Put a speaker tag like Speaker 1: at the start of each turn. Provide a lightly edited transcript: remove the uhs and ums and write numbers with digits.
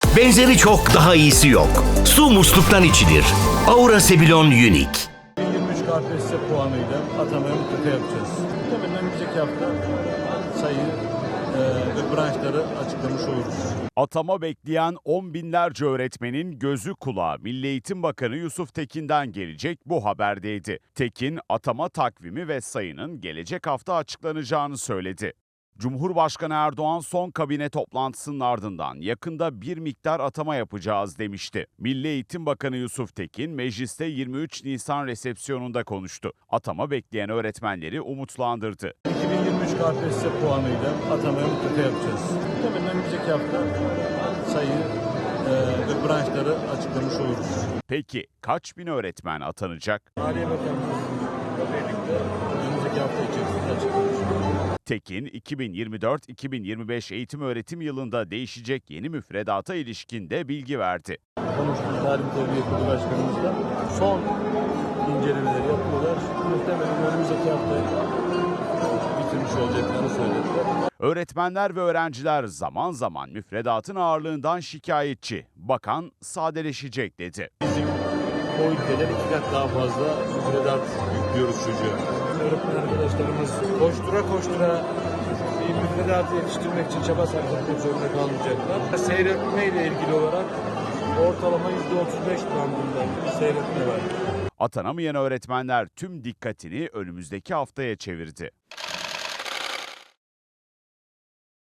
Speaker 1: Benzeri çok, daha iyisi yok. Su musluktan içilir. Aura Sebilon Unique.
Speaker 2: 23 KPSS puanıyla atamaya mutlaka yapacağız. Muhtemelen önümüzdeki hafta sayı ve branşları açıklamış oluruz.
Speaker 3: Atama bekleyen on binlerce öğretmenin gözü kulağı Milli Eğitim Bakanı Yusuf Tekin'den gelecek bu haberdeydi. Tekin, atama takvimi ve sayının gelecek hafta açıklanacağını söyledi. Cumhurbaşkanı Erdoğan son kabine toplantısının ardından yakında bir miktar atama yapacağız demişti. Milli Eğitim Bakanı Yusuf Tekin mecliste 23 Nisan resepsiyonunda konuştu. Atama bekleyen öğretmenleri umutlandırdı.
Speaker 2: 2023 KPSS puanıyla atamaya mutlaka yapacağız. Muhtemelen önümüzdeki hafta sayı ve branşları açıklamış oluruz.
Speaker 3: Peki kaç bin öğretmen atanacak?
Speaker 2: Maliye Bakanlığı'yla birlikte önümüzdeki hafta içerisinde açıklanmış.
Speaker 3: Tekin, 2024-2025 eğitim öğretim yılında değişecek yeni müfredata ilişkin de bilgi verdi.
Speaker 2: Konuştuğumuz Tarih Tebliğ Kurulu Başkanımızla son incelemeleri yapıyorlar. Muhtemelen önümüzdeki hafta bitirmiş olacaklarını söylediler.
Speaker 3: Öğretmenler ve öğrenciler zaman zaman müfredatın ağırlığından şikayetçi. Bakan sadeleşecek dedi.
Speaker 2: Bizim o ülkeden 2 kat daha fazla müfredat yüklüyoruz çocuğa. Öğretmen arkadaşlarımız koştura bir müfredatı yetiştirmek için çaba sarf etmek zorunda kalmayacaklar. Seyretme ile ilgili olarak ortalama %35 bandında bir seyretme var.
Speaker 3: Atanamayan öğretmenler tüm dikkatini önümüzdeki haftaya çevirdi.